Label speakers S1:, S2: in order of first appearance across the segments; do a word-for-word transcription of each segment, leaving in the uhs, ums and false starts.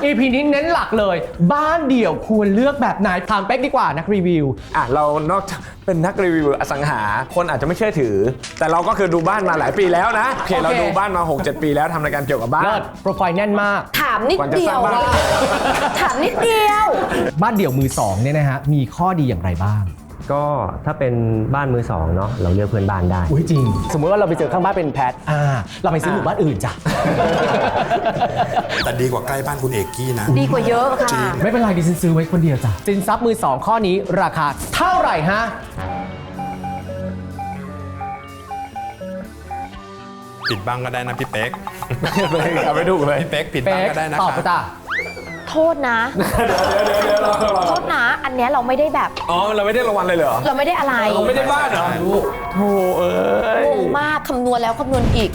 S1: อี พี นี้เน้นหลักเลยบ้านเดี่ยวควรเลือกแบบไหนถามเป๊กดีกว่านักรีวิว
S2: อ่ะเรานอกจากเป็นนักรีวิวอสังหาคนอาจจะไม่เชื่อถือแต่เราก็คือดูบ้านมาหลายปีแล้วนะโอเคเราดูบ้านมา หกเจ็ด ปีแล้วทำรายการเกี่ยวกับบ้าน
S1: โปรไฟล์แน่นมาก
S3: ถามนิดเดียวถามนิดเดียว
S1: บ้านเดี่ยวมือสองเนี่ยนะฮะมีข้อดีอย่างไรบ้าง
S4: ก็ถ้าเป็นบ้านมือสองเนาะเราเลือกเพื่อนบ้านได้
S1: อุ้ยจริงสมมติว่าเราไปเจอข้างบ้านเป็นแพทอ่าเราไปซื้อหมู่บ้านอื่นจ้ะ
S5: แต่ดีกว่าใกล้บ้านคุณเอกกี้นะ
S3: ดีกว่าเยอะค่ะ
S1: ไม่เป็นไรดิฉันซื้อไว้คนเดียวจ้ะสินทรัพย์มือสองข้อนี้ราคาเท่าไหร่ฮะ
S5: ปิดบ้างก็ได้นะพี่เป๊ก
S2: เอาไปดูเลย
S5: พี่เป๊กปิดบ้างก็ได้นะ
S1: ตอบจ้ะ
S3: โทษนะโทษนะอันเนี้ยเราไม่ได้แบบ
S2: อ๋อเราไม่ได้รางวัลเลยเหรอ
S3: เราไม่ได้อะไร
S2: เราไม่ได้บ้านเหรอโธ่เอ้ย
S3: งงมากคำนวณแล้วคำนวณอีก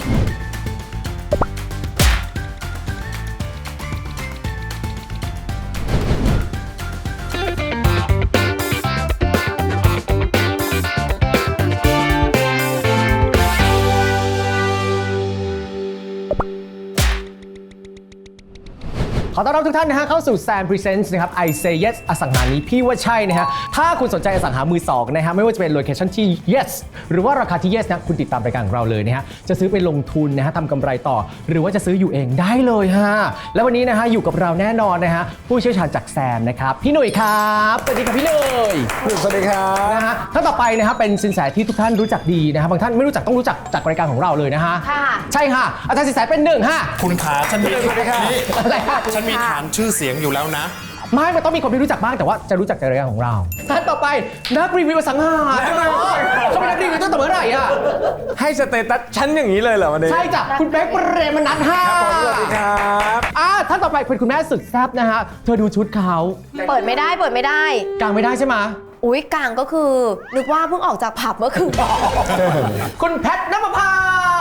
S1: ขอต้อนรับทุกท่านนะฮะเข้าสู่ Sam Presents นะครับ I Say Yes อสังหานี้พี่ว่าใช่นะฮะถ้าคุณสนใจอสังหามือสองนะฮะไม่ว่าจะเป็นโลเคชั่นที่ Yes หรือว่าราคาที่ Yes นะคุณติดตามรายการของเราเลยนะฮะจะซื้อไปลงทุนนะฮะทำกำไรต่อหรือว่าจะซื้ออยู่เองได้เลยฮะแล้ววันนี้นะฮะอยู่กับเราแน่นอนนะฮะผู้เชี่ยวชาญจากแซมนะครับพี่หนุ่ยครับสวัสดีครับพี่หนุ่ย
S2: สวัสดีครับ
S1: นะฮะท่านต่อไปนะฮะเป็นสินแสที่ทุกท่านรู้จักดีนะฮะบางท่านไม่รู้จักต้องรู้จักจากรายการของเราเลยนะฮะใช่ค่ะอาจารย์สินแสเป็นหนึ่งฮะ
S5: คุณขาฉันมี
S1: อะไรฮะ
S5: ฉันมีฐานชื่อเสียงอยู่แล้วนะ
S1: ไม่มันต้องมีคนที่รู้จักบ้างแต่ว่าจะรู้จักในรายการของเราท่านต่อไปนักรีวิวอสังหาเขาเป็นนักรีวิวตั้งแต่เมื่อไหร่อ่ะ
S2: ให้สเตตัสชั้นอย่างนี้เลยเหรอวันนี้
S1: ใช่จ้ะคุณเป๊กเปรมนัทค่ะ
S2: สวัสดีครับ
S1: อ่าท่านต่อไปเป็นคุณแม่สุดแซ่บนะฮะเธอดูชุดเขา
S3: เปิดไม่ได้เปิดไม่ได้
S1: กางไม่ได้ใช่ไหม
S3: อุ้ยกางก็คือนึกว่าเพิ่งออกจากผับเมื่อคืน
S1: คุณแพทณปภา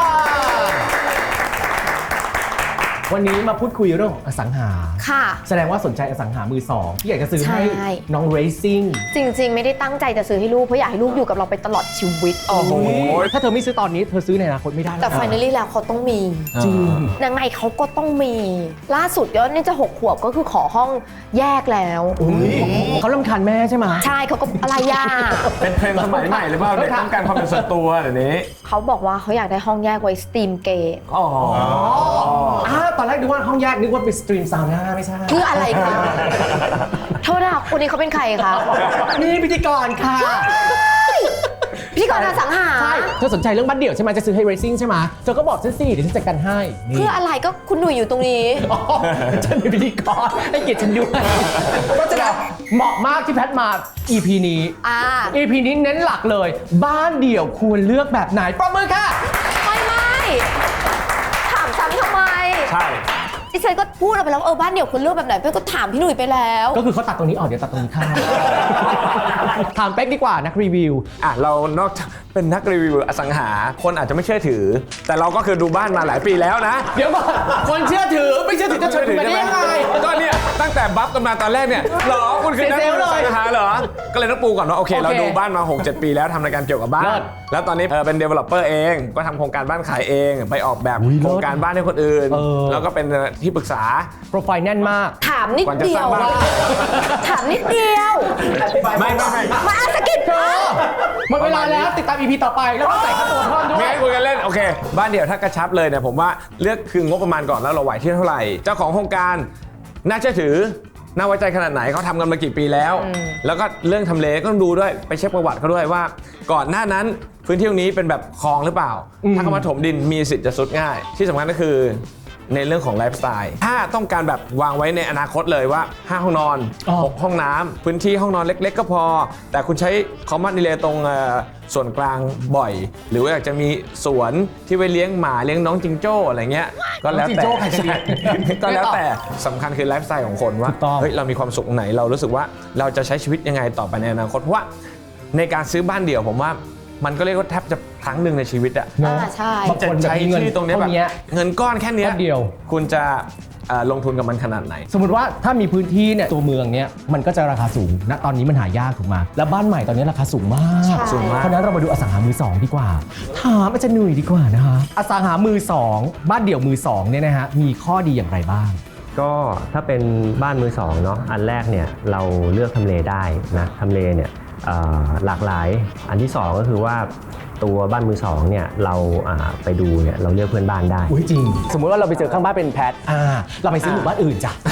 S1: วันนี้มาพูดคุยเรื่องอสังหา
S3: ค่ะ
S1: แสดงว่าสนใจอสังหามือสองที่อยากจะซื้อให้น้องเรซิ่ง
S3: จริงๆไม่ได้ตั้งใจจะซื้อให้ลูกเพราะอยากให้ลูกอยู่กับเราไปตลอดชีวิต
S1: โอ้โหถ้าเธอไม่ซื้อตอนนี้เธอซื้อในอนาคตไม่ได้
S3: แต่ finally แล้วเขาต้องมี
S1: จริง
S3: ยังไงเขาก็ต้องมีล่าสุดก็นี่จะหกขวบก็คือขอห้องแยกแล้ว
S1: เขารำคาญแม่ใช่ไหม
S3: ใช่เขาก็อะไรยา
S2: เป็นเทรนด์สมัยใหม่หรือเปล่าเด็กต้องการความเป็นส่วนตัวเดี๋ยวนี้
S3: เขาบอกว่าเขาอยากได้ห้องแยกไว้สตรีมเกม
S1: อ๋อตอนแรกนึกว่าห้องแยกนึกว่าเป็นสตรีมซาวน่าไม่ใช่
S3: คืออะไรคะโทษนะคนนี้เขาเป็นใครคะ
S1: นี่พิธีกรค่ะ
S3: พิธีกรอสังหา
S1: ใช่เธอสนใจเรื่องบ้านเดี่ยวใช่ไหมจะซื้อให้เรซิ่งใช่ไหมเธอก็บอกฉันสิเดี๋ยวฉันจัดการให้
S3: เพื่ออะไรก็คุณหนุ่ยอยู่ตรงนี้
S1: ฉันเป็นพิธีกรให้เกียรติฉันด้วยก็จะเหมาะมากที่แพทมา อี พี นี้ อี พี นี้เน้นหลักเลยบ้านเดี่ยวควรเลือกแบบไหนปรบมือค่ะ
S3: ไม่ไม่ถามซ้ำทำไม
S2: ใช่
S3: ดิฉันก็พูดออกไปแล้วเออบ้านเดี่ยวคุณเลือกแบบไหนเพื่อนก็ถามพี่หนุ่ยไปแล้ว
S1: ก็คือเขาตัดตรงนี้ออกเดี๋ยวตัดตรงนี้ข้ามถามเป๊กดีกว่านักรีวิว
S2: อ่ะเรานอกจากเป็นนักรีวิวอสังหาคนอาจจะไม่เชื่อถือแต่เราก็คือดูบ้านมาหลายปีแล้วนะ
S1: เดี๋ยวก่อนคนเชื่อถือไม่เชื่อถือจะเชื่อถือได้ยังไง
S2: ก็เนี่ยตั้งแต่บัฟกันมาตอนแรกเนี่ยหรอคุณคือนักรีวิวอสังหาเหรอก็เลยต้องปูก่อนว่าโอเคเราดูบ้านมา หกเจ็ด ปีแล้วทำรายการเกี่ยวกับบ้านแล้วตอนนี้เป็น developer เองก็ทำโครงการบ้านขายเองไปออกแบบโครงการบ้านให้คนอื่นแล้วก็เป็นที่ปรึกษา
S1: โปรไฟล์แน่นมาก
S3: ถามนิดเดียวถามนิดเดียว
S2: ไม่ไม่ไม่
S3: มาอาสกิดเธอ
S1: หมดเวลาแล้วติดตาม อี พี ต่อไปแล้วก็ใส่ค่าตัวเพิ่มด้วย
S2: ไม่ให้คุยกันเล่นโอเคบ้านเดี่ยวถ้ากระชับเลยเนี่ยผมว่าเลือกคืองบประมาณก่อนแล้วเราไหวที่เท่าไหร่เจ้าของโครงการน่าเชื่อถือน่าไว้ใจขนาดไหนเขาทำกันมากี่ปีแล้วแล้วก็เรื่องทำเลก็ต้องดูด้วยไปเช็คประวัติเขาด้วยว่าก่อนหน้านั้นพื้นที่ตรงนี้เป็นแบบคลองหรือเปล่าถ้าเขามาถมดินมีสิทธิ์จะซุดง่ายที่สำคัญก็คือในเรื่องของไลฟ์สไตล์ถ้าต้องการแบบวางไว้ในอนาคตเลยว่าห้าห้องนอนหกห้องน้ำพื้นที่ห้องนอนเล็กๆก็พอแต่คุณใช้คอมมานด์ดีเลย์ตรงส่วนกลางบ่อยหรือว่าอยากจะมีสวนที่ไว้เลี้ยงหมาเลี้ยงน้องจิงโจ้อะไรเงี้ยก็แล้วแต่ก็แล้วแต่สำคัญคือไลฟ์สไตล์ของคนว่าเฮ้ยเรามีความสุขไหนเรารู้สึกว่าเราจะใช้ชีวิตยังไงต่อไปในอนาคตเพราะว่าในการซื้อบ้านเดี่ยวผมว่ามันก็เรียกว่าแทบจะครั้งหนึ่งในชีวิตอะ
S3: ใช่
S1: จะใช้
S2: ที่ตรงนี้แบบเงินก้อนแค่นี้
S1: เดียว
S2: คุณจะลงทุนกับมันขนาดไหน
S1: สมมติว่าถ้ามีพื้นที่เนี่ยตัวเมืองเนี่ยมันก็จะราคาสูงณตอนนี้มันหายากถูกไหมแล้วบ้านใหม่ตอนนี้ราคาสูงมาก
S2: สูงมาก
S1: เพราะนั้นเรามาดูอสังหามือสองดีกว่าถามอาจารย์หนุ่ยดีกว่านะคะอสังหามือสองบ้านเดี่ยวมือสองเนี่ยนะฮะมีข้อดีอย่างไรบ้าง
S4: ก็ถ้าเป็นบ้านมือสองเนาะอันแรกเนี่ยเราเลือกทำเลได้นะทำเลเนี่ยเอ่อหลากหลายอันที่สองก็คือว่าตัวบ้านมือสองเนี่ยเราอ่าไปดูเนี่ยเราเลือกเพื่อนบ้านได้
S1: อุ้ยจริง สมมุติว่าเราไปเจอข้างบ้านเป็นแพทอ่าเราไปซื้อหมู่บ้านอื่นจ้ะ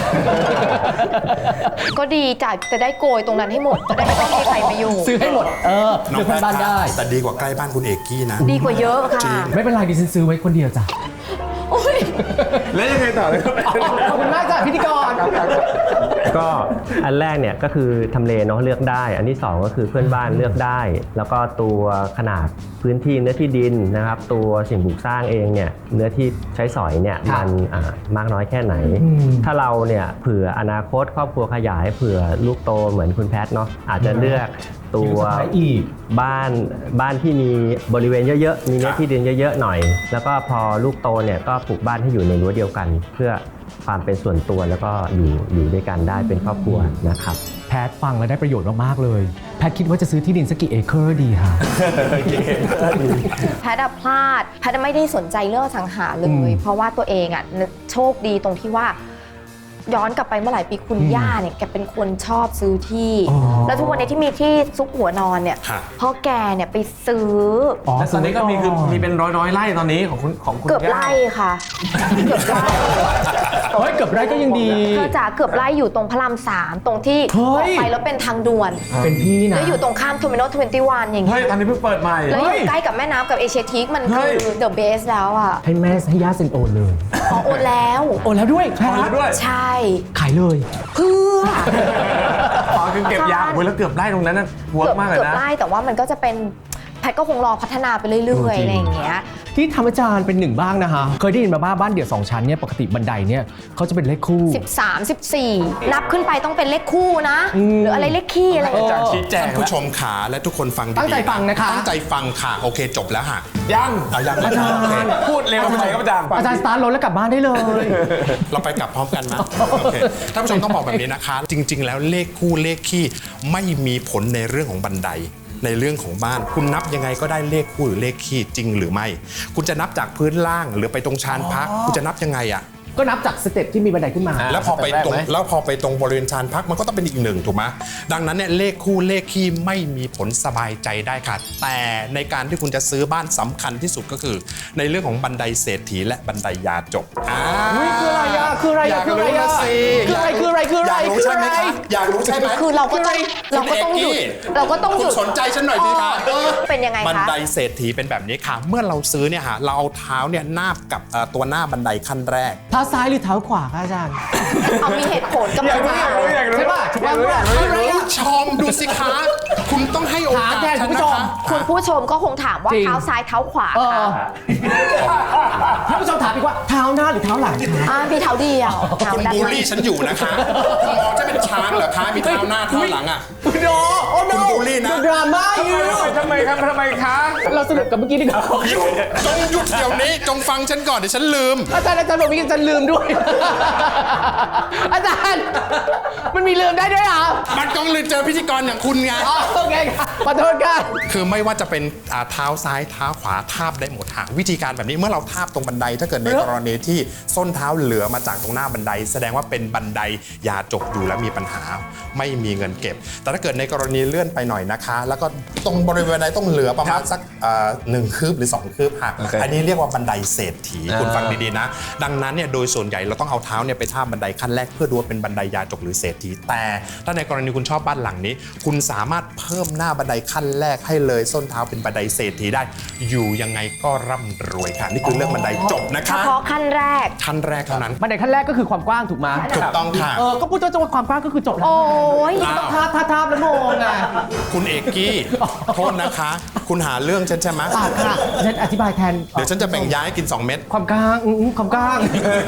S3: ก็ดีจ้ะจะได้โกยตรงนั้นให้หมดจะได้ไม่ต้องมีใครมาอยู่
S1: ซื้อให้หมดเออ
S5: น้อ
S1: เลือง กเพื่อนบ้านได้
S5: แต่ดีกว่าใกล้บ้านคุณเอกกี้นะ
S3: ดีกว่าเยอะค่ะ
S1: ไม่เป็นไรดิฉันซื้อไว้คนเดียวจ้ะ
S3: โอ้ย
S2: แล้วยังไงต่อเลยครับ
S1: ขอบคุณมากจ้ะพิธีกร
S4: ก็อันแรกเนี่ยก็คือทำเลเนาะเลือกได้ อันที่สองก็คือเพื่อนบ้านเลือกได้ แล้วก็ตัวขนาดพื้นที่เนื้อที่ดินนะครับ ตัวสิ่งปลูกสร้างเองเนี่ยเนื้อที่ใช้สอยเนี่ย
S1: ครับ
S4: มันอ่ามากน้อยแค่ไหน
S1: อืม
S4: ถ้าเราเนี่ยเผื่ออนาคตครอบครัวขยายเผื่อลูกโตเหมือนคุณแพทเนาะอาจจะเลือกตัว
S1: อยู่สุดท้ายอีก
S4: บ้านบ้านที่มีบริเวณเยอะๆมีเนื้อที่ดินเยอะๆหน่อย แล้วก็พอลูกโตเนี่ยก็ปลูกบ้านให้อยู่ในรั้วเดียวกัน เพื่อความเป็นส่วนตัวแล้วก็อยู่อยู่ด้วยกันได้เป็นครอบครัวนะครับ
S1: แพทฟังแล้วได้ประโยชน์มากๆเลย แพทคิดว่าจะซื้อที่ดินสักกี่เอเคอร์ดีคะ
S3: แพทย์อะพลาดแพทย์ไม่ได้สนใจเรื่องอสังหาเล
S1: อื
S3: ย
S1: ม
S3: เพราะว่าตัวเองอะโชคดีตรงที่ว่า ย้อนกลับไปเมื่อหลายปีคุณ
S1: อืม
S3: ย่าเนี่ยแกเป็นคนชอบซื้อที่
S1: อ๋อ
S3: แล้วทุกวันนี้ที่มีที่ซุกหัวนอนเนี่ย
S5: ฮะ
S3: เพราะแกเนี่ยไปซื้อ
S1: อ๋อ
S2: แล้วตอนนี้ก็มีคือมีเป็นร้อยร้อยๆไร่ตอนนี้ของคุณของคุณ
S3: เกือบ
S2: ย่า
S3: ไร่ค่ะ เกือบไร่
S1: เฮ้ยเกือบไรก็ยังดี
S3: เธอจ๋าเกือบไร่อยู่ตรงพระรามสามตรงที่
S1: เฮ้
S3: อย อกไปแล้วเป็นทางด่วน
S1: เป็นพี่นะ
S3: แล้วอยู่ตรงข้ามเทอร์มินอลทเวนตี้วันอย่าง
S2: เฮ้
S3: เงี้
S2: ย
S3: ย
S2: ตอนนี้เพิ่งเปิดใหม่
S3: แล้วอยู่ใกล้กับแม่น้ำกับเอเชียทีคมัน
S2: เฮ้
S3: คื
S2: ย
S3: อเดอะเบสแล้วอ่ะ
S1: ให้แม่ให้ย่าเซ็นโอนเลย
S3: อ๋อโอนแล้ว
S1: โอนแล้วด้วยแพท
S2: โอนแล้วด้วย
S3: ใช่
S1: ขายเลย
S3: เพื่อ
S2: อ๋อคือเก็บยางโอ้ยแล้วเกือบไร่ตรงนั้นน่ะเวิร์
S3: เกื
S2: กมากเลย
S3: เกือบ
S2: นะ
S3: ไร่แต่ว่ามันก็จะเป็นแพทย์ก็คงรอพัฒนาไปเรื่อย
S1: เออ
S3: ๆ
S1: จริง
S3: อะไรอย่างเงี้ย
S1: ที่ธรรมจารย์เป็นหนึ่งบ้างนะฮะ เคยได้ยินมาบ้างบ้านเดี่ยวสองชั้นเนี่ยปกติบันไดเนี่ยเขาจะเป็นเลขคู่
S3: สิบสาม สิบสี่ นับขึ้นไปต้องเป็นเลขคู่นะ
S1: อืม
S3: หรืออะไรเลขคี่อะไรอย่างเงี้ย
S2: จากชี้แจง
S5: ท่าน
S2: แล้ว
S5: ผู้ชมขาและทุกคนฟังดีๆ
S1: ตั้งใจฟังนะคะ
S5: ตั้งใจฟังค่ะ โอเคจบแล้วฮะ
S2: ยัง
S5: เอายัง
S1: อาจารย์
S5: โอเค
S2: พูดเร็วไปครับอาจารย์
S1: อาจารย์สตาร์ทรถแล้วกลับบ้านได้เลย
S5: เราไปกลับพร้อมกันนะโอเคท่านผู้ชมต้องบอกแบบนี้นะคะ จริง ๆ แล้วเลขคู่เลขคี่ไม่มีผลในเรื่องของบันได ในเรื่องของบ้าน คุณนับยังไงก็ได้เลขคู่หรือเลขคี่จริงหรือไม่ คุณจะนับจากพื้นล่างหรือไปตรงชานพัก คุณจะนับยังไงอะ
S1: ก็นับจากสเต็ปที่มีบันไดขึ้นมา
S5: แล้วพอไปตรง
S2: สเต็ปแรกไหม
S5: แล้วพอไปตรงบริเวณชานพักมันก็ต้องเป็นอีกหนึ่งถูกไหมดังนั้นเนี่ยเลขคู่เลขคี่ไม่มีผลสบายใจได้ค่ะแต่ในการที่คุณจะซื้อบ้านสำคัญที่สุดก็คือ ในเรื่องของบันไดเศรษฐีและบันไดยาจกอ่า
S1: อุ๊ยคืออะไรอะคืออะไรอะ
S5: ยาก
S1: คืออะไร
S5: รู้
S1: อะ
S5: นะสิ
S1: คืออะไรคืออะไรคืออะไร
S5: อยากรู้ใช่ไหม
S1: คืออะไร
S5: คะอยากรู้ใช่ไหม
S3: คือเราก็ต้องเราก็ต้องหยุด เราก็ต้องหยุด
S5: คุณสนใจฉันหน่อยสิคะ
S3: เออเป็นยังไงคะ
S5: บันไดเศรษฐีเป็นแบบนี้ค่ะ เมื่อเราซื้อเนี่ยฮะเราเอาเท้าเนี่ยนาบกับเอ่อตัวหน้าบันไดขั้นแรก
S1: เท้าซ้ายหรือเท้าขวาคะอาจารย์
S3: เอามีเหตุผลกำลังมา
S1: ใช่ป่ะถูกป่ะ
S2: อยากรู้อยากรู้
S1: คืออะไรอะ
S5: ผู้ชมดูสิคะคุณต้องให้โอกาส
S1: ถามแทน
S5: ฉั
S1: คุณ
S5: น
S1: ผู้
S5: นะ
S1: ชม
S5: คะ
S3: คุณผู้ชมก็คงถามว่า
S1: จริง
S3: เท้าซ้ายเท้าขวา
S1: เออ
S3: ค่ะ
S1: ท่านผู้ชมถามอีกว่าเท้าหน้าหรือเท้าหลังคะ
S3: อ่ามีเท้าเดียวเท้า
S5: คุณ
S3: ด้าน
S5: บูล
S3: หลัง
S5: ลี่ฉันอยู่นะคะคุณมองฉันเป็นช้างเหรอคะมีเท้าหน้าเท้าหลังอ่ะ
S1: โนโอ้โน
S5: คุณบูลลี่นะ
S1: ดราม่าอยู่
S2: ทำไมครับทำไมคะ
S1: เราสรุปกับเมื่อกี้ดีกว่า
S5: หยุดจงหยุดเดี๋ยวนี้จงฟังฉันก่อนเดี๋ยวฉันลืม
S1: อาจารย์อาจารย์บอกเมื่อกี้อาจารย์ลืมด้วย อาจารย์มันมีลืมได้ด้วยเหรอ
S5: มันต้องลืมเจอพิธีกรอย่างคุณไง
S1: อ๋อโอเคค่ะขอโทษค่ะ
S5: คือไม่ว่าจะเป็นอ่าเท้าซ้ายเท้าขวาทาบได้หมดหาวิธีการแบบนี้เมื่อเราทาบตรงบันได ถ้าเกิดในกรณีที่ส้นเท้าเหลือมาจากตรงหน้าบันได แสดงว่าเป็นบันไดยาจกอยู่และมีปัญหาไม่มีเงินเก็บ แต่ถ้าเกิดในกรณีเลื่อนไปหน่อยนะคะ แล้วก็ตรงบริเวณบันไดต้องเหลือประมาณสักอ่าหนึ่งคืบหรือสองคืบค่ะ
S2: โอเค
S5: อันนี้เรียกว่าบันไดเศรษฐี
S2: อ่า
S5: คุณฟังดีๆนะ ดังนั้นเนี่ยโดยส่วนใหญ่เราต้องเอาเท้าเนี่ยไปทาบบันไดขั้นแรกเพื่อดูว่าเป็นบันไดยาจกหรือเศรษฐีแต่ถ้าในกรณีคุณชอบบ้านหลังนี้ คุณสามารถเพิ่มหน้าบันไดขั้นแรกให้เลยส้นเท้าเป็นบันไดเศรษฐีได้ อยู่ยังไงก็ร่ำรวยค่ะ นี่คือเรื่องบันไดจบนะ
S3: เฉ
S5: คะ
S3: พาะขั้นแรก
S5: ขั้นแรกเท่านั้น
S1: บันไดขั้นแรกก็คือความกว้างถูกไหม
S5: ถูกต้องค่ะ
S1: เออ ก็พูดว่าจะว่าความกว้างก็คือจบแล้ว
S3: โอ้ย
S5: อ้าว
S1: ต้องทาบทาบทาบแล้วงงอ่ะ
S5: คุณเอกกี้โทษนะคะ คุณหาเรื่องฉันใช่ไหม
S1: ปากค่ะฉันอธิบายแทน
S5: เดี๋ยวฉันจะแบ่งยาให้กิน สอง เม็ด
S1: ความกว้างอืมความกว้าง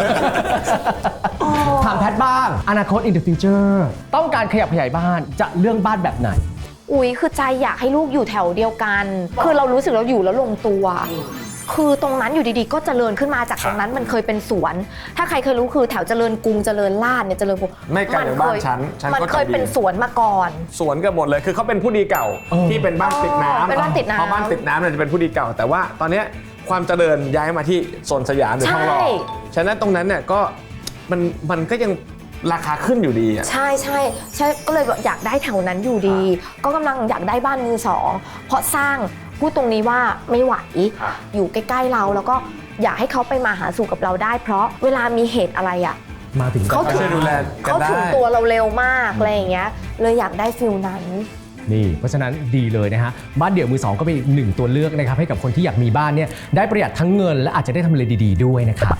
S1: ถามแพทย์บ้าง อนาคต in the future ต้องการขยับขยายบ้านจะเรื่องบ้านแบบไหน
S3: อุ๊ยคือใจอยากให้ลูกอยู่แถวเดียวกัน คือเรารู้สึกเราอยู่แล้วลงตัว คือตรงนั้นอยู่ดีๆ ก็เจริญขึ้นมาจากตรงนั้นมันเคยเป็นสวน ถ้าใครเคยรู้คือแถวเจริญกรุงเจริญลาดเนี่ยเจริญกรุง
S2: ไม่ไกลจากบ้านฉันฉัน
S3: มัน
S2: ก็
S3: เคย
S2: ใจดี
S3: เป็นสวนมาก่อน
S2: สวนกันหมดเลยคือเขาเป็นผู้ดีเก่า
S1: เออ
S2: ที่เป็นบ้านติดน้ำ
S3: เป็นบ้านติดน้ำ
S2: เพราะบ้านติดน้ำเนี่ยจะเป็นผู้ดีเก่า แต่ว่าตอนเนี้ยความเจริญย้ายมาที่โซนสยามหรือทองหล่อ
S3: ใช่
S2: ฉะนั้นตรงนั้นเนี่ยก็มันมันก็ยังราคาขึ้นอยู่ดีอะ
S3: ใช่ใช่ใช่ก็เลยแบบอยากได้แถวนั้นอยู่ดี ก็กำลังอยากได้บ้านมือสองเพราะสร้างพูดตรงนี้ว่าไม่ไหวอยู่ใกล้ๆเราแล้วก็อยากให้เขาไปมาหาสู่กับเราได้ เพราะเวลามีเหตุอะไรอ่ะ
S1: มาถึง
S3: เขาถึง
S2: ช่วยดูแลกัน
S3: เขาถึง
S2: ได้
S3: ตัวเราเร็วมากอะไรอย่างเงี้ยเลยอยากได้ฟิลนั้น
S1: นี่เพราะฉะนั้นดีเลยนะฮะบ้านเดี่ยวมือสองก็เป็นอีกหนึ่งตัวเลือกนะครับให้กับคนที่อยากมีบ้านเนี่ยได้ประหยัดทั้งเงินและอาจจะได้ทำเลดีๆด้วยนะครับ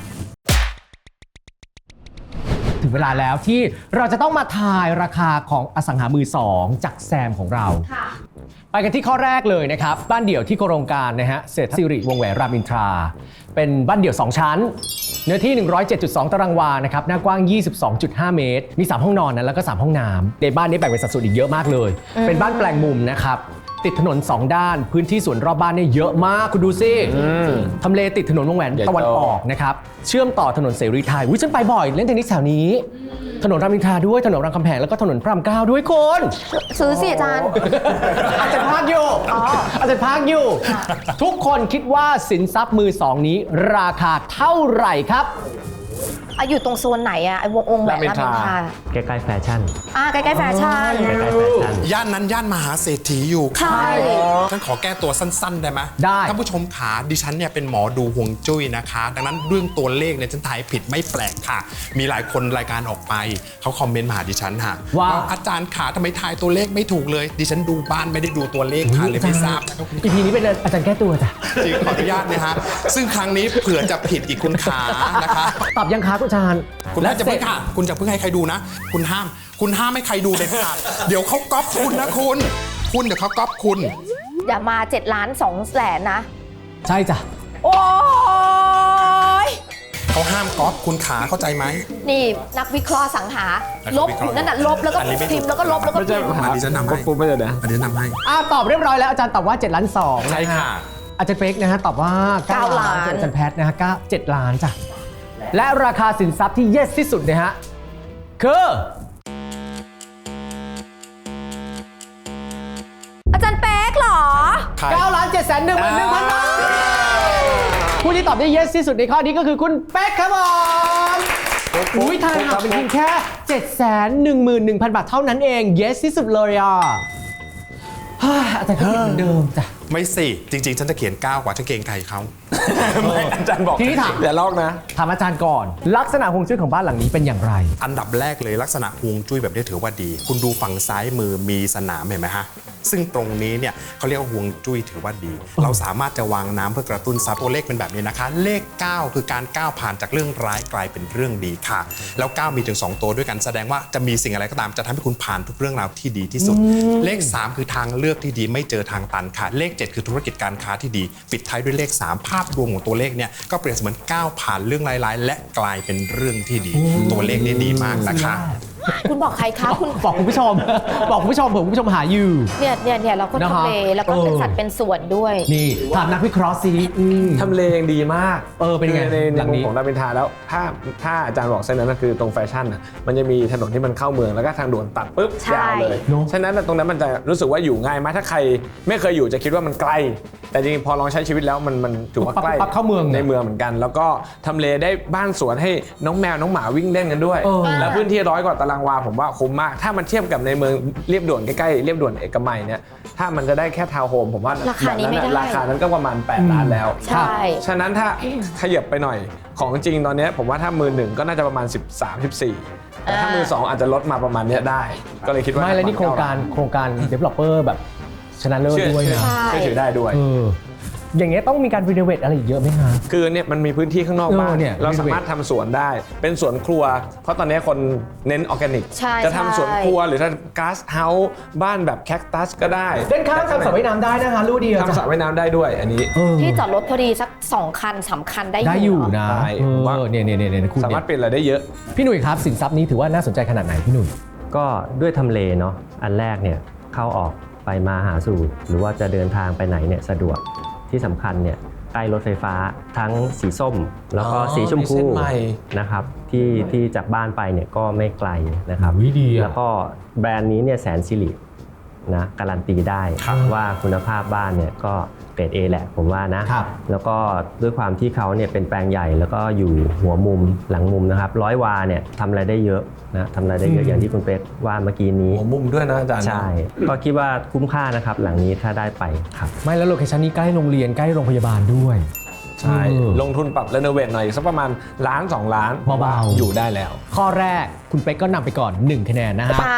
S1: ถึงเวลาแล้วที่เราจะต้องมาทายราคาของอสังหามือสองจากแซมของเราไปกันที่ข้อแรกเลยนะครับบ้านเดี่ยวที่โครงการนะฮะเศรษฐศิริวงศ์แหวนรามอินทรา เป็นบ้านเดี่ยวสองชั้น เนื้อที่ หนึ่งร้อยเจ็ดจุดสอง ตารางวานะครับหน้ากว้าง ยี่สิบสองจุดห้า เมตร มี สาม ห้องนอนนะแล้วก็ สาม ห้องน้ำในบ้านนี้แบ่งเป็นสัดส่วนอีกเยอะมากเลย เป็นบ้านแปลงมุมนะครับติดถนนสองด้านพื้นที่สวนรอบบ้านเนี่ยเยอะมากคุณดูสิทำเลติดถนนวงแหวนตะวันออกนะครับเชื่อมต่อถนนเสรีไทยวิฉันไปบ่อยเล่นเทนนิสแถวนี้ถนนรามอินทราด้วยถนนรามคำแหงแล้วก็ถนนพระรามเก้าด้วยคน
S3: ซื้อสิอาจารย์
S1: อาจารย์พักอยู่อาจารย์พักอยู่ ทุกคนคิดว่าสินทรัพย์มือสองนี้ราคาเท่าไหร่ครับ
S3: อะอยู่ตรงโซนไหนอะไอวงองค์แหวนรามอินทรา
S4: ใกล้ๆแฟชั่น
S3: อ่าใกล้ๆแฟชั่น
S4: ใกล้ๆแฟชั่น
S5: ย่านนั้นย่านมหาเศรษฐีอยู่
S3: ใช่
S5: ฉันขอแก้ตัวสั้น ๆ ได้ไหม
S1: ได้
S5: ท่านผู้ชมขาดิฉันเนี่ยเป็นหมอดูฮวงจุ้ยนะคะ ดังนั้นเรื่องตัวเลขเนี่ยฉันทายผิดไม่แปลกค่ะ มีหลายคนรายการออกไปเขาคอมเมนต์มาหาดิฉันค่ะ
S1: ว่า
S5: อาจารย์ขาทำไมทายตัวเลขไม่ถูกเลย ดิฉันดูบ้านไม่ได้ดูตัวเลขค่ะเลยไม่ทราบนะครับ
S1: อีพีนี้เป็นอาจารย์แก้ตัวจ้ะ
S5: จริงขออนุญาตนะฮะซึ่งครั้งนี้เผื่อจะผิดอีกคุณขานะคะ
S1: ตอบยังคะคุณอาจารย์
S5: คุณน่าจะเพิ่งค่ะคุณจะเพิ่งให้ใครดูนะ คุณห้าม คุณห้ามให้ใครดูเด็ดขาดเดี๋ยวเขาก๊อปคุณนะคุณ คุณเดี๋ยวเขาก๊อปคุณ
S3: อย่ามาเจ็ดล้านสองแสนนะ
S1: ใช่จ้ะ
S3: โอ้ย
S5: เขาห้ามก๊อปคุณขาเข้าใจไหม
S3: นี่นักวิเคราะห์สังหา
S5: นัก
S3: ลบ
S5: วิเคราะห์
S3: นั่นน่ะลบแล้วก็
S5: อันนี้ไม่
S3: พิมพ์แล้วก็ลบแล้วก็
S2: ไม่
S3: พิ
S2: ใช่
S3: มพ์
S2: หา
S5: อันนี้ฉันนำให้
S2: ปุ๊บไม่ใช่นะ
S5: อันนี้นำให้
S1: อ่าตอบเรียบร้อยแล้วอาจารย์ตอบว่าเจ็ดล้านสอง
S5: ใช่ค่ะ
S1: อาจารย์เป๊กนะฮะตอบว่าเก้าล้านอาจารย์แพทนะฮะเก้าเจ็ดล้านจ้ะและราคาสินทรัพย์ที่เยสที่สุดนะฮะคือ
S3: อาจารย์เป๊กเหรอ
S1: เก้าล้านเจ็ดแสนหนึ่งหมื่นหนึ่งพันบาทผู้ที่ตอบได้เยสที่สุดในข้อนี้ก็คือคุณเป๊กครับผมอุ้ยทายหาเป็นเพียงแค่ เจ็ดแสนหนึ่งหมื่นหนึ่งพัน บาทเท่านั้นเองเยสที่สุดเลยอ่ะฮ่าอาจารย์ก็ผิดเหมือนเดิมจ้ะ
S5: ไม่สิ จริง ๆ ฉันจะเขียนเก้ากว่าฉันเกรงใจเขา
S2: ไม่อาจารย์บอก
S1: ทีนี้ถาม
S2: อย่าลอกนะ
S1: ถามอาจารย์ก่อน ลักษณะฮวงจุ้ยของบ้านหลังนี้เป็นอย่างไร
S5: อันดับแรกเลยลักษณะฮวงจุ้ยแบบนี้ถือว่าดี คุณดูฝั่งซ้ายมือมีสนามเห็นไหมฮะ ซึ่งตรงนี้เนี่ยเขาเรียกว่าฮวงจุ้ยถือว่าดี เราสามารถจะวางน้ำเพื่อกระตุ้นซับตัวเลขเป็นแบบนี้นะคะ เลข เก้า คือการก้าวผ่านจากเรื่องร้ายกลายเป็นเรื่องดีค่ะ แล้ว เก้า มีถึง สอง ตัวด้วยกันแสดงว่าจะมีสิ่งอะไรก็ตามจะทำให้คุณผ่านทุกเรื่องราวที่ดีที่สุด เลข สาม คือทางเลือกที่ดีไม่เจอทางตันค่ะ เลข เจ็ด คือธุรกิจการค้าที่ดี ปิดท้ายด้วยเลข สาม ภาพรวมของตัวเลขเนี่ยก็เปรียบเสมือนก้าวผ่านเรื่องร้ายๆและกลายเป็นเรื่องที่ดี ตัวเลขนี่ดีมากนะคะ
S3: คุณบอกใครคะคุณ
S1: บอกคุณผู้ชม บอกคุณผู้ชมเผื่อคุณผู้ชมหาอยู่
S3: เนี่ยเนี่ยเนี่ยเราก็
S1: นะฮะ
S3: ทำเลแล้วก็เป็น
S1: เออ
S3: สัตว์เป็นส่วนด้วย
S1: นี่ถามนักวิเคราะห์ซิอืม
S2: ทำเลยังดีมาก
S1: เออเป็นไง
S2: ใน
S1: ห
S2: ใน
S1: ลัง
S2: มุ
S1: นี้
S2: มของรามอินทราแล้วถ้าถ้าอาจารย์บอกเส้นนั้นนะคือตรงแฟชั่นนะมันจะมีถนนที่มันเข้าเมืองแล้วก็ทางด่วนตัดปุ๊บ
S3: ใช่
S2: ยาวเลย
S1: เนอะ
S2: ฉะนั้นตรงนั้นมันจะรู้สึกว่าอยู่ง่ายมากถ้าใครไม่เคยอยู่จะคิดว่ามันไกล แต่จริงๆพอลองใช้ชีวิตแล้วมันมันถือว่าใกล้
S1: ปั๊บเข้าเมือง
S2: ในเมืองเหมือนกัน แล้วก็ทำเลได้บ้านสวนให้น้องแมวน้องหมาวิ่งเล่นกันด้วย
S1: เออ
S2: แล้วพื้นที่ร้อยกว่าตารางวาผมว่าคุ้มมากถ้ามันเทียบกับในเมืองเรียบด่วนใกล้ๆเรียบด่วนเอกมัยเนี่ยถ้ามันจะได้แค่ทาวน์โฮมผมว่า
S3: ราคานี้ไม่ได้
S2: ราคานั้นก็ประมาณแปดล้านแล้ว
S3: ใช่
S2: ฉะนั้นถ้าขยับไปหน่อยของจริงตอนนี้ผมว่าถ้ามือหนึ่งก็น่าจะประมาณ สิบสาม สิบสี่แต่ถ้ามือสองอาจจะลดมาประมาณเนี้ยได้ ก็เลยคิดว่า
S1: ไม่แล้วนี่โครงการโครงการ developer แบบชนะเลิศ
S2: เชื่อ
S1: ด้วย
S2: เชื่อ
S1: นะ
S3: ใช่
S2: เชื่อถือได้ด้วย
S1: เอออย่างเงี้ยต้องมีการรีโนเวทอะไรอีกเยอะไหมคะ
S2: คือเนี่ยมันมีพื้นที่ข้างนอกบ้าน
S1: เออเนี่ย
S2: เราสามารถทำสวนได้ เป็นสวนครัว เพราะตอนนี้คนเน้นออร์แกนิก
S3: ใช่
S2: จะทำสวน
S3: ใช่
S2: ครัวหรือถ้าก๊าซเฮาส์บ้านแบบแคคตัสก็ได้
S1: เล่นข้างทำสระว่ายน้ำได้นะคะรู้ดีอะ
S2: ทำสระว่ายน้ำได้ด้วยอันนี้
S1: เออ
S3: ที่จอดรถพอดีสักสองคันสามคันได้
S1: ได้อยู่
S3: เหร
S1: นะ
S2: ได้
S1: เอ
S2: ผมว่า
S1: อเนี่ยเนี่ยเนี่ยเนี่ยคุณ
S2: สา
S1: เนี่
S2: มารถ
S1: ย
S2: เปลี่ยนอะไรได้เยอะ
S1: พี่หนุ่ยครับสินทรัพย์นี้ถือว่าน่าสนใจขนาดไหนพี่หนุ่ย
S4: ก็ด้วยทำเลเนาะอันแรกเนี่ยเข้าออกไปมาหาสู่ หรือว่าจะเดินทางไปไหนเนี่ยสะดวกที่สำคัญเนี่ยใกล้รถไฟฟ้าทั้งสีส้ม แล้วก็
S2: อ๋อ
S4: สีชม
S2: มี
S4: พู
S2: เส้นใหม่
S4: นะครับที่ที่จากบ้านไปเนี่ยก็ไม่ไกลนะครับ
S1: อุ๊ยดีอะ
S4: แล้วก็แบรนด์นี้เนี่ยแสนสิรินะการันตีได้ว่าคุณภาพบ้านเนี่ยก็เกรด A แหละผมว่านะครับ แล้วก็ด้วยความที่เขาเนี่ยเป็นแปลงใหญ่แล้วก็อยู่หัวมุมหลังมุมนะครับร้อยวาเนี่ยทำอะไรได้เยอะนะทำอะไรได้เยอะอย่างที่คุณเป๊กว่าเมื่อกี้นี้
S2: หัวมุมด้วยนะอาจารย์
S4: ใช่ก็คิดว่าคุ้มค่านะครับหลังนี้ถ้าได้ไปครับ
S1: ไม่แล้วโลเคชันนี้ใกล้โรงเรียนใกล้โรงพยาบาลด้วย
S2: ใช่
S1: เออ
S2: ลงทุนปรับรีโนเวทหน่อยสักประมาณล้านสองล้าน
S1: เบาๆ
S2: อยู่ได้แล้ว
S1: ข้อแรกคุณเป๊กก็นำไปก่อนหนึ่งคะแนนนะฮะ
S3: ค่ะ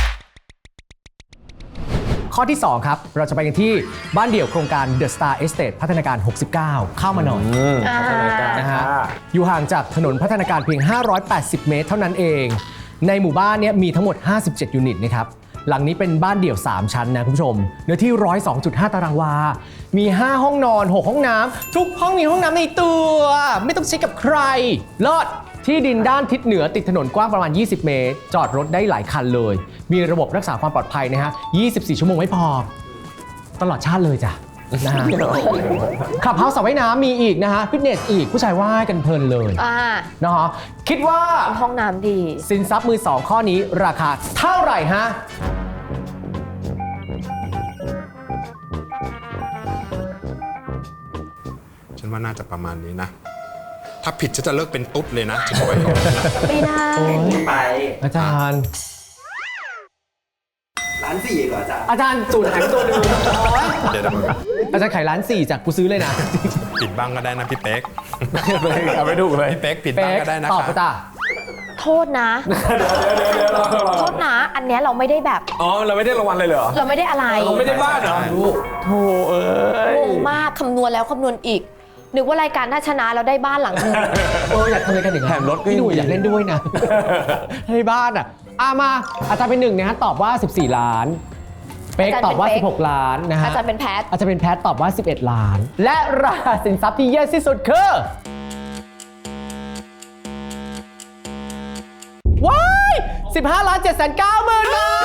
S1: ข้อที่ สอง ครับ เราจะไปกันที่บ้านเดี่ยวโครงการ The Star Estate พัฒนาการ หกสิบเก้า เข้ามาหน่อย
S2: อืม
S3: อ่า
S2: พัฒนาการ
S1: นะฮะ
S2: ค่ะ
S1: อยู่ห่างจากถนนพัฒนาการเพียง ห้าร้อยแปดสิบ เมตรเท่านั้นเอง ในหมู่บ้านเนี้มีทั้งหมด ห้าสิบเจ็ด ยูนิตนะครับ หลังนี้เป็นบ้านเดี่ยว สาม ชั้นนะคุณผู้ชม เนื้อที่ หนึ่งร้อยสองจุดห้า ตารางวา มี ห้า ห้องนอน หก ห้องน้ำ ทุกห้องมีห้องน้ำในตัว ไม่ต้องใช้กับใครเลิศที่ดินด้านทิศเหนือติดถนนกว้างประมาณ ยี่สิบ เมตร จอดรถได้หลายคันเลย มีระบบรักษาความปลอดภัยนะฮะ ยี่สิบสี่ ชั่วโมงไม่พอ ตลอดชาติเลยจ้ะนะฮะ ขับเฮาส์สระว่ายน้ำมีอีกนะฮะ ฟิตเนสอีกผู้ชายว่ายกันเพลินเลย
S3: อ่า
S1: นะฮะ คิดว่า
S3: ห้องน้ำดี
S1: สินทรัพย์มือสองข้อนี้ราคาเท่าไหร่ฮะ
S5: ฉันว่าน่าจะประมาณนี้นะ ถ้าผิดฉันจะเลิกเป็นตุ๊ดเลยนะฉันบอกไว้ก่อนนะ
S3: ไม่ได้
S4: ไป
S1: อาจารย์
S4: ร้านสี่ก่อนจ้ะ
S1: อาจารย์สูตรหายไปตัวหนึ่งโอ๊ย
S5: เดี๋ยวเดี๋ยว
S1: อาจารย์ขายร้านสี่จากกูซื้อเลยนะ
S5: ผิดบ้างก็ได้นะพี่เป๊ก
S2: เอาไปถูกเลย
S5: พี่เป๊กผิด
S1: เป๊
S5: บ้าง
S1: ก
S5: ก็ได้นะ
S1: ตอบ
S5: ค
S1: ไป
S5: รับ
S1: จ้ะ
S3: โทษนะ โทษนะ อันเนี้ยเราไม่ได้แบบ
S2: อ๋อ เราไม่ได้รางวัลเลยเหรอ
S3: เราไม่ได้อะไร
S2: เราไม่ได้บ้านเหรอโธ่เอ้ย
S3: งงมากคำนวณแล้วคำนวณอีก นึกว่ารายการถ้าชนะเราได้บ้านหลังนึง
S1: เอออยากทำอะไรกันอย่าง
S2: แถมรถก็
S1: พี่หนุ่ย
S2: ยังดี
S1: อยากเล่นด้วยนะ ให้บ้านอ่ะอามาอาจารย์เป็นหนึ่งนะฮะตอบว่า สิบสี่ ล้าน เป๊ก
S3: อาจารย์
S1: ตอบว่า
S3: เป็นเป๊ก
S1: สิบหก ล้านนะฮะ
S3: อาจารย์เป็นแพท
S1: อาจารย์เป็นแพทตอบว่า สิบเอ็ด ล้าน และราคาสินทรัพย์ที่เยอะที่สุดคือว้ายสิบห้าล้านเจ็ดแสนเก้าหมื่นบาท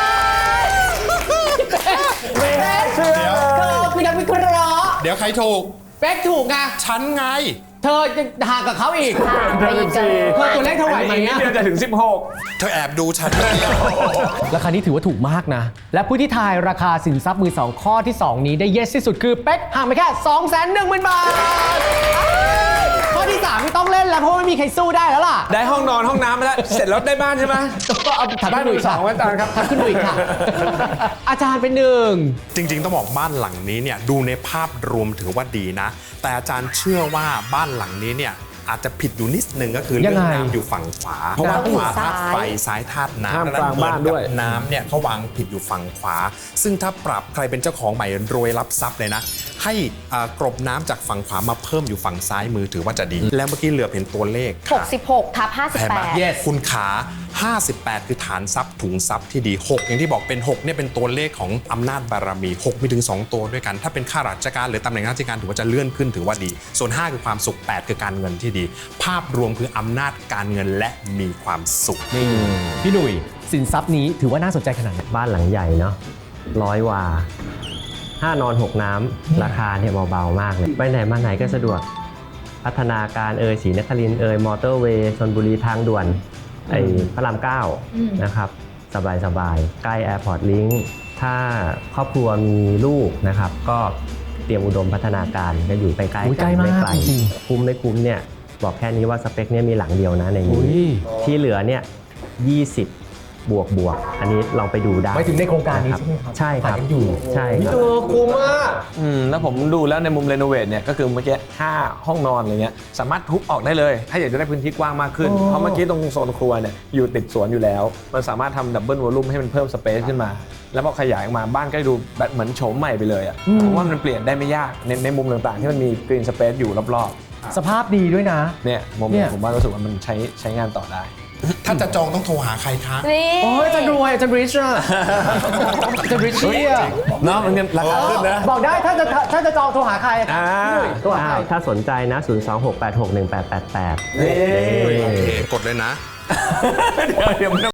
S1: ไม่เชื่อคือนักวิเคราะห์
S5: เดี๋ยวใครถูก
S1: เป๊กถูกไง
S5: ฉันไง
S1: เธอจะห่างกับเขาอีก
S3: ห่างไปอีกเกิน
S1: เธอตัวเลขเท่าไหร่ไหม
S2: อีกนิด
S1: อะ
S2: เดียวจะถึงสิบหก
S5: เธอแอบดูฉัน
S1: ราคานี้ถือว่าถูกมากนะ และผู้ที่ทายราคาสินทรัพย์มือสองข้อที่ สอง นี้ได้เยสที่สุดคือเป๊กห่างไปแค่ สองแสนหนึ่งหมื่น บาทข้อที่ สามไม่ต้องเล่นแล้วเพราะไม่มีใครสู้ได้แล้วล่ะ
S2: ได้ห้องนอนห้องน้ำมาแล้ว เสร็จแล้วได้บ้านใช่ไหม
S1: ก็เอาถัด
S2: บ้าน
S1: ขึ้น
S2: มื
S1: ดู
S2: อ
S1: อีก
S2: ส
S1: ค่ะ
S2: องอาจารย์ครับ
S1: ถัดขึ้นดูอีกค่ะ อาจารย์เป็นหนึ่ง
S5: จริงๆ ต้องบอกบ้านหลังนี้เนี่ยดูในภาพรวมถือว่าดีนะ แต่อาจารย์เชื่อว่าบ้านหลังนี้เนี่ยอาจจะผิดอยู่นิดนึงก็คือ
S1: ยั
S5: เรื่อง
S1: งไง
S5: น้ำอยู่ฝั่งขวา เพราะว่า
S3: น้ำอยู่
S5: ขวาธาตุไฟ
S3: ซ้าย
S5: ซ้ายธาตุ
S2: ห้าม
S5: น้ำ
S2: กลางบ้านด้วย
S5: เหมือกับน้ำเนี่ยเขาวางผิดอยู่ฝั่งขวา ซึ่งถ้าปรับใครเป็นเจ้าของใหม่รวยรับทรัพย์เลยนะ ให้อ่ากรบน้ำจากฝั่งขวามาเพิ่มอยู่ฝั่งซ้ายมือถือว่าจะดี แล้วเมื่อกี้เหลือเห็นตัวเลข
S3: หกสิบหกทับห้าสิบ
S5: เห็น
S3: แป
S5: ไหม
S3: ด
S1: Yes
S5: คุณขา ห้าสิบแปด คือฐานทรัพย์ถุงทรัพย์ที่ดี หก อย่างที่บอกเป็น หก เนี่ยเป็นตัวเลขของอำนาจบารมี หก มีถึง สอง ตัวด้วยกัน ถ้าเป็นข้าราชการหรือตำแหน่งราชการถือว่าจะเลื่อนขึ้นถือว่าดี ส่วน ห้า คือความสุข แปด คือการเงินที่ดี ภาพรวมคืออำนาจการเงินและมีความสุข
S1: นี่พี่หนุ่ยสินทรัพย์นี้ถือว่าน่าสนใจขนาดไหน
S4: บ้านหลังใหญ่เนาะร้อยวาห้านอนหกน้ำราคาเนี่ยเบาๆมากเลยไปไหนมาไหนก็สะดวกพัฒนาการเอ่ยศรีนครินทร์เอ่ยมอเตอร์เวย์ชลบุรีทางด่วนไอ้พระรามเก้านะครับสบายสบายๆใกล้แอร์พอร์ตลิงค์ถ้าครอบครัวมีลูกนะครับ ก็เตรียมอุดมพัฒนาการก็อยู่ใกล้ๆ
S1: อุ๊ยใกล้
S4: กันไม่
S1: มาก
S4: ไกล
S1: จริง
S4: คุ้มไม่คุ้มเนี่ยบอกแค่นี้ว่าสเปคเนี่ยมีหลังเดียวนะใน
S1: อุ๊
S4: นี้
S1: ย
S4: ที่เหลือเนี่ยยี่สิบ บวกบวกอันนี้ลองไปดูได้
S1: หมายถึงในโครงการนี้
S4: ะ
S1: ใช่ไหมครับ
S4: ใช่ครับ
S1: ขายกันอยู่
S4: ใช่ครับ
S1: เออคุ้มมาก
S2: อืมแล้วผมดูแล้วในมุมรีโนเวทเนี่ยก็คือเมื่อกี้ห้าห้องนอนอะไรเงี้ยสามารถทุบออกได้เลย ถ้าอยากจะได้พื้นที่กว้างมากขึ้น
S1: โอ้
S2: เพราะเมื่อกี้ตรงโซนครัวเนี่ยอยู่ติดสวนอยู่แล้ว มันสามารถทำดับเบิลวอลลุ่มให้มันเพิ่มสเปซขึ้นมา แล้วพอขยายออกมาบ้านก็ดูแบบเหมือนโฉมใหม่ไปเลยอ่ะผมว่ามันเปลี่ยนได้ไม่ยากในในมุมต่างๆ ที่มันมีกรีนสเปซอยู่รอบ
S1: สภาพดีด้วยนะ
S2: ๆเนี่ยมุม
S1: เนี่
S2: เนี่ย ยผมว่ารู้สึกว่ามันใช้ใช้งานต่อได้
S5: ถ้าจะจองต้องโทรหาใครคะ
S3: นี่
S1: โอ้ยอาจารย์รวยอาจารย์ริชอะอาจารย์ริชเนี่ย
S2: เนาะมันราคาขึ้นนะ
S1: บอกได้ถ้าจะถ้าจะจองโทรหาใคร
S2: อ่า
S1: พี่หนุ่ยโทรหา
S4: อ้า
S1: ใคร
S4: วถ้าสนใจนะ ศูนย์ สอง หก แปด หก หนึ่ง แปด แปด แปด
S2: นี่
S5: โอเค กดเลยนะ
S2: เดี๋ยวเดี๋ยวมัน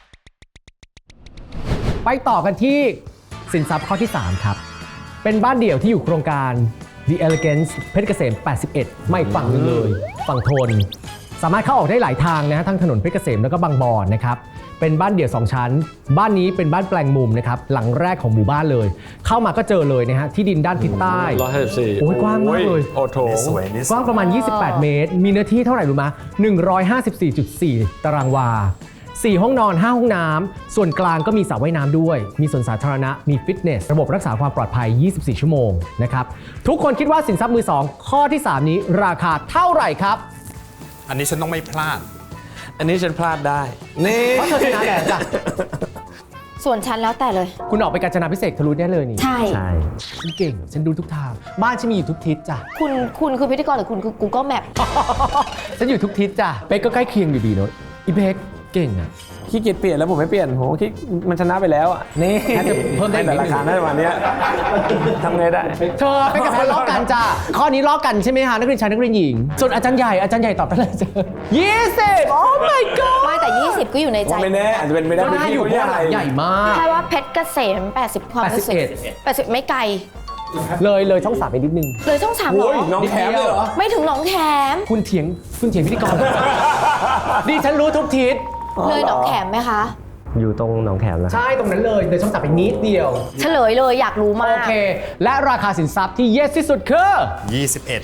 S1: ไปต่อกันที่สินทรัพย์ข้อที่ สาม ครับ เป็นบ้านเดี่ยวที่อยู่โครงการ The Elegance เพชรเกษม แปดสิบเอ็ด ไม่ฝั่งหนึงเลย ฝั่งทน สามารถเข้าออกได้หลายทางนะทั้งถนนเพชรเกษมแล้วก็บางบอนนะครับเป็นบ้านเดี่ยวสองชั้น บ้านนี้เป็นบ้านแปลงมุมนะครับหลังแรกของหมู่บ้านเลย เข้ามาก็เจอเลยนะฮะที่ดินด้านทิศใต้
S2: ร้อยห้าสิบสี่
S1: โอ้ยกว้างมากเลย
S2: โอ้โถ
S5: นี่สวยนี่ส
S1: ก
S5: วย
S1: ว้างประมาณ ยี่สิบแปด เมตร มีเนื้อที่เท่าไหร่รู้ไหมหนึ่งร้อยห้าสิบสี่จุดสี่ ตารางวา สี่ ห้องนอน ห้า ห้องน้ำ ส่วนกลางก็มีสระว่ายน้ำด้วย มีสวนสาธารณะ มีฟิตเนส ระบบรักษาความปลอดภัย ยี่สิบสี่ ชั่วโมงนะครับ ทุกคนคิดว่าสินทรัพย์มือสองข้อที่ สาม นี้ราคาเท่าไหร่ครับ
S5: อันนี้ฉันต้องไม่พลาด
S2: อันนี้ฉันพลาดได้ นี่
S1: เพราะเธอชนะแหละจ้ะ
S3: ส่วนฉันแล้วแต่เลย
S1: คุณออกไปกาญจนาพิเศษกทะลุได้เลยนี่
S3: ใช่
S4: ใช่
S1: ฉันเก่ง ฉันดูทุกทาง บ้านฉันมีอยู่ทุกทิศจ้ะ
S3: คุณคุณคือพิธีกรหรือคุณคือ Google Map
S1: ฉันอยู่ทุกทิศจ้ะ เป๊กก็ใกล้เคียงอยู่ดีเนอะอีเป๊กเก่งอะ
S2: ขี้เกียจเปลี่ยนแล้วผมไม่เปลี่ยนผมคิดมันชนะไปแล้วอ่ะ นี่
S1: น่าจะเพิ่มได้อีกนิดนึง
S2: ราคาได้ประมาณเนี้ยทำไงได้
S1: เธอเป็นกับคนล้อกันจ้ะ ข้อนี้ล้อกันใช่ไหมฮะนักเรียนชายนักเรียนหญิง ส่วนอาจารย์ใหญ่อาจารย์ใหญ่ตอบไปเลยจ้ะยี่สิบโอ้ my god
S3: ไม่แต่ ยี่สิบ ก็อยู่ในใจ
S2: ไม่แน่อาจจะเป็นไปได้
S1: ก็ได้อยู่เพ
S2: ที่
S1: ราะว่าหลังใหญ่มาก
S3: แค่ว่าเพชรเกษม แปดสิบ ความรู้สึก
S1: แปดสิบเอ็ด
S3: แปดสิบไม่ไกล
S1: เลยเลยช่องสามไปนิดนึง
S3: เลยช่องสามเหร
S2: โอ้ย
S3: อ
S2: น้องแถมเลยเหรอ
S3: ไม่ถึงหนองแขม
S1: คุณเถียงคุณเถียงพิธีกร ดิฉันรู้ทุกทิศ
S3: เลยหนองแขมไหมคะ
S4: อยู่ตรงหนองแขมแล้วครับ
S1: ใช่ตรงนั้นเลยเลยช่องสามไปนิดเดียว
S3: เฉลยเลยอยากรู้มา
S1: โอก เค และราคาสินทรัพย์ที่เยสที่สุดคือ
S5: ยี่สิบเอ็ด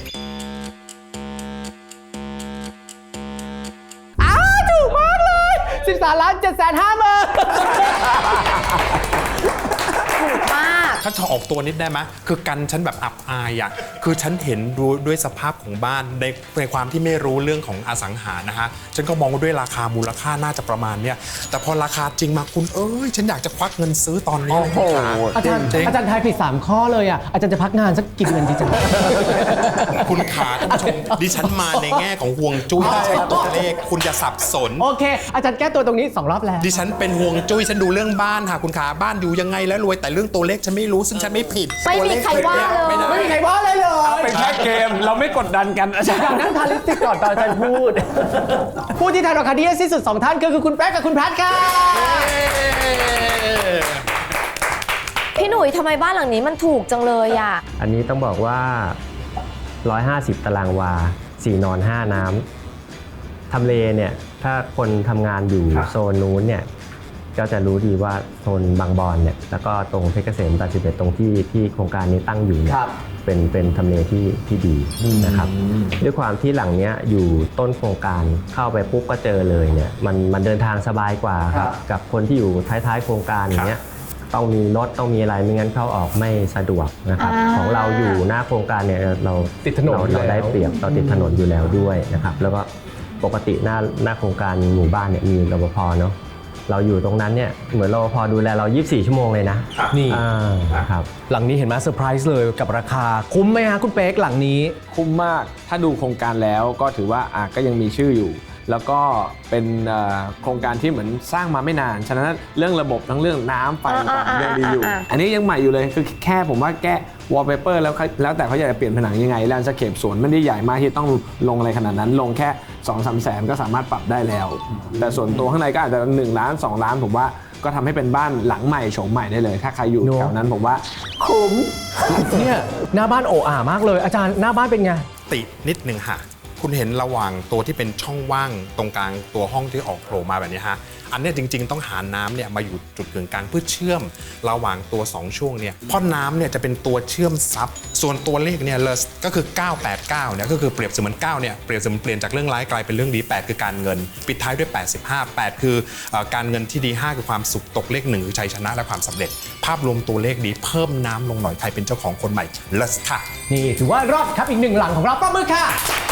S1: อ้าวถูกมากเลยสิบสามล้านเจ็ดแสนห้าหมื่น
S3: ถูกมาก
S5: ถ้าจะออกตัวนิดได้ไหมคือกันฉันแบบอับอายอ่ะคือฉันเห็นดูด้วยสภาพของบ้านในในความที่ไม่รู้เรื่องของอสังหานะฮะฉันก็มองว่าด้วยราคามูลค่าน่าจะประมาณเนี้ยแต่พอราคาจริงมาคุณเอ้ยฉันอยากจะควักเงินซื้อตอนนี้เลยคุณขา
S1: อาจารย์
S5: จริงๆ
S1: อาจารย์ทายผิดสามข้อเลยอ่ะอาจารย์จะพักงานสักกี่เดือนดีจัง
S5: คุณขาท่านผู้ชมดิฉันมาในแง่ของห่วงจุ้ยไม่ใช่ตัวเลขคุณจะสับสน
S1: โอเค อาจารย์แก้ตัวตรงนี้สองรอบแล้ว
S5: ดิฉันเป็นห่วงจุ้ยฉันดูเรื่องบ้านค่ะคุณขาบ้านอยู่ยังไงแล้วรวยแต่เรื่องตัวเลขฉันไม่รู้ซึ่งฉันไม่ผิด
S3: ไม่มีใครว่าเลย
S5: ไม่ได้
S1: ไม่มีใครว่าเลยเลย
S2: เป็นแค่เกมเราไม่กดดันกันอาจาร
S1: อยาก
S2: ย์
S1: นั่งทานลิปสติกก่อนตอนอาจารย์พูด ผู้ที่ทายราคาดีที่สุดสองท่านคือคุณแป๊กกับคุณแพทค่ะ
S3: พี่หนุ่ยทำไมบ้านหลังนี้มันถูกจังเลยอ่ะ
S4: อันนี้ต้องบอกว่า หนึ่งร้อยห้าสิบ ตารางวา สี่นอน ห้า น้ำทำเลเนี่ยถ้าคนทำงานอยู่โซนนู้นเนี่ยก็จะรู้ดีว่าโซนบางบอนเนี่ยแล้วก็ตรงเพชรเกษมแปดสิบเอ็ดตรงที่ที่โครงการนี้ตั้งอยู่เนี่ย
S1: ครับ
S4: เป็นเป็นทำเลที่ที่ดีนะครับด้วยความที่หลังเนี้ยอยู่ต้นโครงการเข้าไปปุ๊บก็เจอเลยเนี่ยมันมันเดินทางสบายกว่าครับกับคนที่อยู่ท้ายๆโครงการอย่างเงี้ยต้องมีรถต้องมีอะไรไม่งั้นเข้าออกไม่สะดวกนะครับ
S3: อ่า
S4: ของเราอยู่หน้าโครงการเนี่ยเรา
S1: ติดถนน
S4: เรา
S1: อยู่
S4: เรา
S1: แล้ว
S4: ได้เปรียบเราติดถนนอยู่แล้วด้วยนะครับแล้วก็ปกติหน้าหน้าโครงการหมู่บ้านเนี่ยมีรปภเนาะเราอยู่ตรงนั้นเนี่ยเหมือนรปภดูแลเรายี่สิบสี่ชั่วโมงเลยนะ
S1: นี่
S4: อ่าครับ
S1: หลังนี้เห็นไหมเซอร์ไพรส์เลยกับราคา คุ้มไหมฮะคุณเป๊กหลังนี้
S2: คุ้มมาก ถ้าดูโครงการแล้วก็ถือว่าอ่ะก็ยังมีชื่ออยู่ แล้วก็เป็นเอ่อโครงการที่เหมือนสร้างมาไม่นาน ฉะนั้นเรื่องระบบทั้งเรื่องน้ำไฟ
S3: อ่า
S2: ต่าง
S3: อ่า
S2: ๆยังดีอยู่
S3: อ่า
S2: อันนี้ยังใหม่อยู่เลย คือแค่ผมว่าแก้วอลเปเปอร์แล้วเขาแล้วแต่เขาอยากจะเปลี่ยนผนังยังไงแลนด์สเคปสวนไม่ได้ใหญ่มากที่ต้องลงอะไรขนาดนั้น ลงแค่ สองสามแสนก็สามารถปรับได้แล้ว แต่ส่วนตัวข้างในก็อาจจะหนึ่งล้านสองล้านผมว่าก็ทำให้เป็นบ้านหลังใหม่โฉมใหม่ได้เลย ถ้าใครอยู่
S1: เนอะ
S2: แถวนั้นผมว่าคุ้ม
S1: เนี่ยหน้าบ้านโออ่ามากเลย อาจารย์หน้าบ้านเป็นไง
S5: ตินิดหนึ่งค่ะ คุณเห็นระหว่างตัวที่เป็นช่องว่างตรงกลางตัวห้องที่ออกโผล่มาแบบนี้ฮะ อันเนี้ยจริงๆต้องหาน้ำเนี่ยมาอยู่จุดกึ่งกลางเพื่อเชื่อมระหว่างตัวสองช่วงเนี่ยเพราะน้ำเนี่ยจะเป็นตัวเชื่อมซับส่วนตัวเลขเนี่ยเลยก็คือเก้าแปดเก้าเนี่ยก็คือเปรียบเสมือนเก้าเนี่ยเปรียบเสมือนเปลี่ยนจากเรื่องร้ายกลายเป็นเรื่องดีแปดคือการเงิน ปิดท้ายด้วยแปดสิบห้า แปดคือเอ่อการเงินที่ดีห้าคือความสุขตกเลขหนึ่งคือชัยชนะและความสำเร็จ ภาพรวมตัวเลขดีเพิ่มน้ำลงหน่อยใครเป็นเจ้าของคนใหม่เลสค่ะ
S1: นี่ถือว่ารอดครับอีกหนึ่งหลังของเราปรบมือค่ะ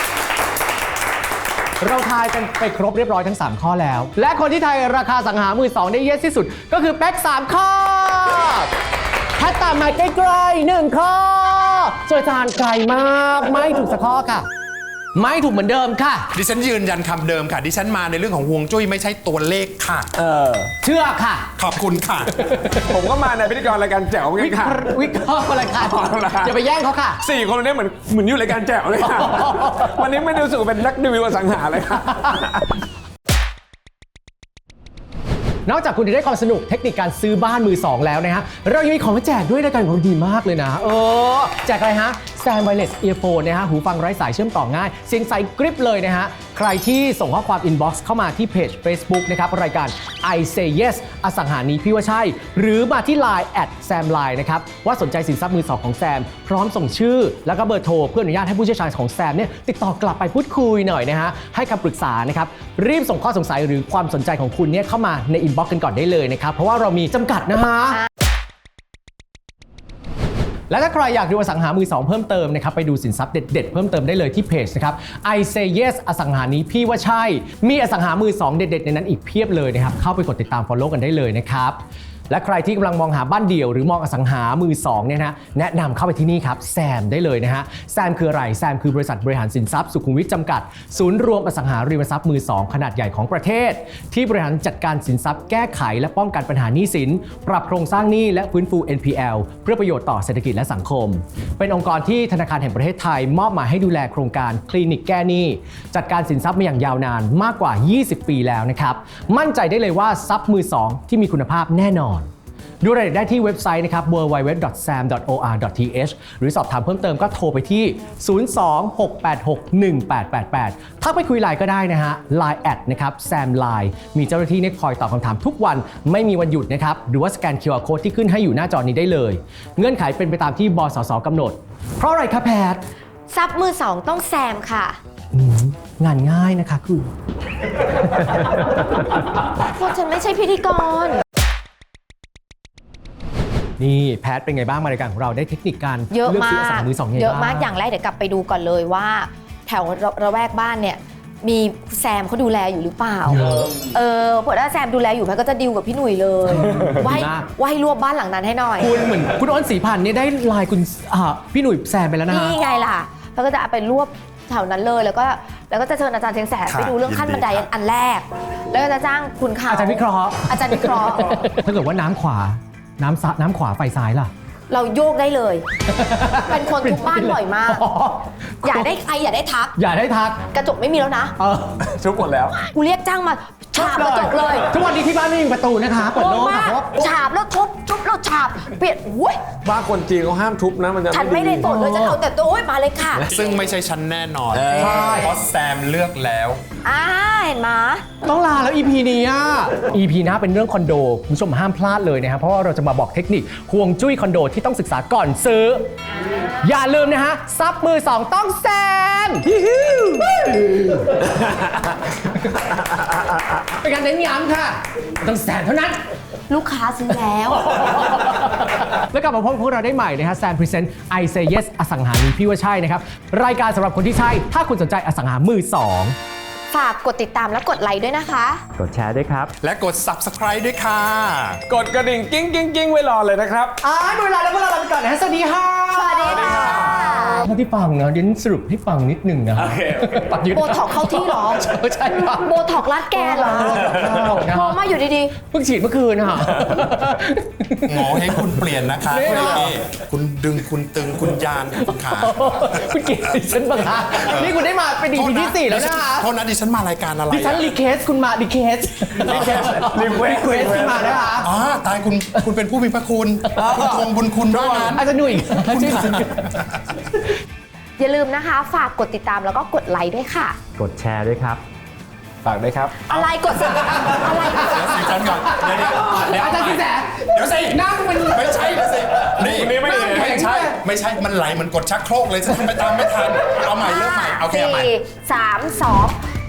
S1: เราทายกันไปครบเรียบร้อยทั้ง สาม ข้อแล้ว และคนที่ทายราคาสังหามือสองได้เยอะที่สุด ก็คือแป๊กสามข้อแพทตามมาใกล้ๆหนึ่งข้อส่วนอาจารย์ไกลมากไม่ถูกสักข้อค่ะ ไม่ถูกเหมือนเดิมค่ะ
S5: ดิฉันยืนยันคำเดิมค่ะ ดิฉันมาในเรื่องของฮวงจุ้ยไม่ใช่ตัวเลขค่ะ
S2: เออ
S1: เชื่อค่ะ
S5: ขอบคุณค่ะ
S2: ผมก็มาในพิธีกรรายการแจ๋วเหมือน
S1: วิ
S2: กัน
S1: เค
S2: ค่ะ
S1: ราะห์วิเคราะห์อะไรค่ะ
S2: เอาล่ะ
S1: อย่าไปแย่งเขาค่ะ
S2: สี่คนวันนี้เหมือนเหมือนอยู่รายการแจ๋วเลยค่ะ วันนี้ไม่ได้รู้สึกว่าเป็นนักรีวิวอสังหาเลยค่ะ
S1: นอกจากคุณจะได้ความสนุกเทคนิคการซื้อบ้านมือสองแล้วนะฮะ เรายังมีของมาแจกด้วยรายการของเราดีมากเลยนะ เออ แจกอะไรฮะ Sam Wireless Earphone นะฮะ หูฟังไร้สายเชื่อมต่อง่าย เสียงใสกริบเลยนะฮะ ใครที่ส่งข้อความ inbox เข้ามาที่เพจ Facebook นะครับรายการ I Say Yes อสังหานี้พี่ว่าใช่หรือมาที่ ไลน์ แอท แซมไลน์ นะครับว่าสนใจสินทรัพย์มือสองของแซมพร้อมส่งชื่อแล้วก็เบอร์โทรเพื่ออนุญาตให้ผู้เชี่ยวชาญของแซมเนี่ยติดต่อกลับไปพูดคุยหน่อยนะฮะให้คำปรึกษานะครับรีบส่งข้อสงสัยหรือความสนใจของคุณเนี่ยเข้ามาใน inbox กันก่อนได้เลยนะครับเพราะว่าเรามีจำกัดนะฮะและถ้าใครอยากดูอสังหามือสองเพิ่มเติมนะครับไปดูสินทรัพย์เด็ดๆเพิ่มเติมได้เลยที่เพจนะครับ I Say Yes อสังหานี้พี่ว่าใช่มีอสังหามือสองเด็ดๆในนั้นอีกเพียบเลยนะครับเข้าไปกดติดตาม follow กันได้เลยนะครับและใครที่กำลังมองหาบ้านเดี่ยวหรือมองอสังหามือสองเนี่ยนะแนะนำเข้าไปที่นี่ครับแซมได้เลยนะฮะแซมคืออะไรแซมคือบริษัทบริหารสินทรัพย์สุขุมวิทจำกัดศูนย์รวมอสังหาริมทรัพย์มือสองขนาดใหญ่ของประเทศที่บริหารจัดการสินทรัพย์แก้ไขและป้องกันปัญหาหนี้สินปรับโครงสร้างหนี้และฟื้นฟู เอ็น พี แอล เพื่อประโยชน์ต่อเศรษฐกิจและสังคมเป็นองค์กรที่ธนาคารแห่งประเทศไทยมอบหมายให้ดูแลโครงการคลินิกแก้หนี้จัดการสินทรัพย์มาอย่างยาวนานมากกว่า ยี่สิบ ปีแล้วนะครับมั่นใจได้เลยว่าทรัพย์มือสองที่มีคุณภาพแน่นอนดูรายละเอียดได้ที่เว็บไซต์นะครับ ดับเบิลยู ดับเบิลยู ดับเบิลยู ดอท แซม ดอท โอ อาร์ ดอท ที เอช หรือสอบถามเพิ่มเติมก็โทรไปที่ ศูนย์ สอง หก แปด หก หนึ่ง แปด แปด แปด ถ้าไปคุยไลน์ก็ได้นะฮะ ไลน์ แอดนะครับแซมไลน์มีเจ้าหน้าที่เนี่ยคอยตอบคำถามทุกวันไม่มีวันหยุดนะครับหรือว่าสแกน คิว อาร์ Code ที่ขึ้นให้อยู่หน้าจอนี้ได้เลยเงื่อนไขเป็นไปตามที่บสสกำหนดเพราะอะไรครับแพท
S3: ทรัพย์มือสองต้องแซมค่ะ
S1: อืมงานง่ายนะคะคือ
S3: เพราะฉันไม่ใช่พิธีกร
S1: นี่แพทเป็นไงบ้างมารายการของเราได้เทคนิคการ
S3: เยอะ
S1: เลือก
S3: มา
S1: ซื้ออก สังหามือสองไงบ้าง
S3: เยอะมากอย่างแรกเดี๋ยวกลับไปดูก่อนเลยว่า แถวระแวกบ้านเนี่ยมีแซมเขาดูแลอยู่หรือเปล่าเออเผื่อถ้าแซมดูแลอยู่แม่ก็จะดิวกับพี่หนุ่ยเลยไหว้ไหว้รวบบ้านหลังนั้นให้หน่อย
S1: คุณเหมือนคุณอ้นศรีพันธ์เนี่ยได้ไลน์คุณอ่าพี่หนุ่ยแซมไปแล้วนะ
S3: นี่ไงล่ะแล้วก็จะเอาไปรวบแถวนั้นเลยแล้วก็แล้วก็จะเชิญอาจารย์เชียงแสนไปดูเรื่องขั้นบันไดอันแรก แล้วก็จะจ้างคุณเขา
S1: อาจารย์วิเคราะห์
S3: อาจารย์วิเคราะห์
S1: ถ้าเกิดว่าน้ำขวาน้ำซ้ายน้ำขวาไฟซ้ายล่ะ
S3: เราโยกได้เลย เป็นคนทุกบ้านบ่อยมาก
S1: อ๋อ
S3: อย่าได้ใครอย่าได้ทัก
S1: อย่าได้ทัก
S3: กระจกไม่มีแล้วนะ
S1: เออ
S2: ทุบหมดแล้ว
S3: กูเรียกจ้างมาฉาบกระจกเลย
S1: ทุกวันนี้ที่บ้านไม่มีประตูนะคะเปิด
S3: โอ้
S1: โล่ง
S3: มา
S1: ค่ะ
S3: ก
S1: เพราะว่า
S3: ฉาบแล้วทุบทุบแล้วฉาบเปลี่ยนอุ้ย
S2: บ้านคนจีนเขาห้ามทุบนะมันจะ
S3: ฉันไม่ได้สนเลยฉันเอาแต่ตัวโอ้ยมาเลยค่ะ
S5: ซึ่งไม่ใช่ฉันแน่นอน
S1: ใช่
S5: เพราะแซมเลือกแล้ว
S3: อ่าเห็นไหม
S1: ต้องลาแล้ว อี พี นี้อ่ะ อี พี หน้าเป็นเรื่องคอนโดคุณผู้ชมห้ามพลาดเลยนะครับเพราะว่าเราจะมาบอกเทคนิคห่วงจุ้ยคอนโดที่ต้องศึกษาก่อนซื้อ อย่าลืมนะฮะซับมือสองต้องแซมเป็นการเน้นย้ำค่ะต้องแซมเท่านั้น
S3: ลูกค้าซื้อแล้ว
S1: แล้วกลับมาพบกับพวกเราได้ใหม่นะฮะแซมพรีเซนต์ I Say Yes อสังหาริมพี่ว่าใช่นะครับรายการสำหรับคนที่ใช่ถ้าคุณสนใจอสังหามือสอง
S3: ฝากกดติดตามและกดไลค์ด้วยนะคะ
S4: กดแชร์ด้วยครับ
S5: และกด Subscribe ด้วยค่ะ
S2: กดกระดิ่งกิ้งกิ้งกิ้งไว้รอเลยนะครับ
S1: อ่าดูเวลาแล้วพวกเราลาไปก่อนนะฮะสวัสดีค่ะ
S3: สวัสดีค่ะ
S1: เท่าที่ฟังนะเดี๋ยวสรุปให้ฟังนิดหนึ่งนะฮะปัดยืด
S3: โบท็อกเข้าที่เหรอ
S1: ใช่ครับ
S3: โบท็อกรัดแกนเหรอมองมาอยู่ดี
S1: เพิ่งฉีดเมื่อคืนนะฮะ
S5: หมอให้คุณเปลี่ยนนะคะ
S1: นี่เหรอ
S5: นี่คุณดึงคุณตึงคุณยานคุณขา
S1: คุณเกลียดดิฉันบ้างคะนี่คุณได้มาเป็นดีพีที่สี่แล้วนะคะ
S5: โทษนะดิฉันมารายการอะไร
S1: ดิฉัน
S5: อะ
S1: รีเควสคุณมารีเควสรีเควสรีเควสคุณมานะคะ
S5: อ๋อตายคุณคุณเป็นผู้มีพระคุณคุณทวงบุญคุณด้วยนั้น
S1: อาจจะหนุ่ย
S5: คุณ
S1: ชื่อ
S5: ขา
S3: ๆ อย่าลืมนะคะ ฝากกดติดตามแล้วก็กดไลค์ด้วยค่ะ
S4: กดแชร์ด้วยครับ
S2: ฝากด้วยครับ
S3: อะไรกดสับอะไร
S5: เดี๋ยวสิฉันก่อนเดี๋ยวเดี๋ยวเดี๋ยว
S1: อาจารย์สินแส
S5: เดี๋ยวสิ
S1: นั่งมัน
S5: ไม่ใช่เดี๋ยวสินี่
S2: นี่ไม่ดี
S5: ไม่ใช่ไม่ใช่มันไหลเหมือนกดชักโครกเลยฉันทำไปตามไม่ทันเอาใหม่เริ่มใหม่โอเคเอาใหม่
S3: สี่สามสอง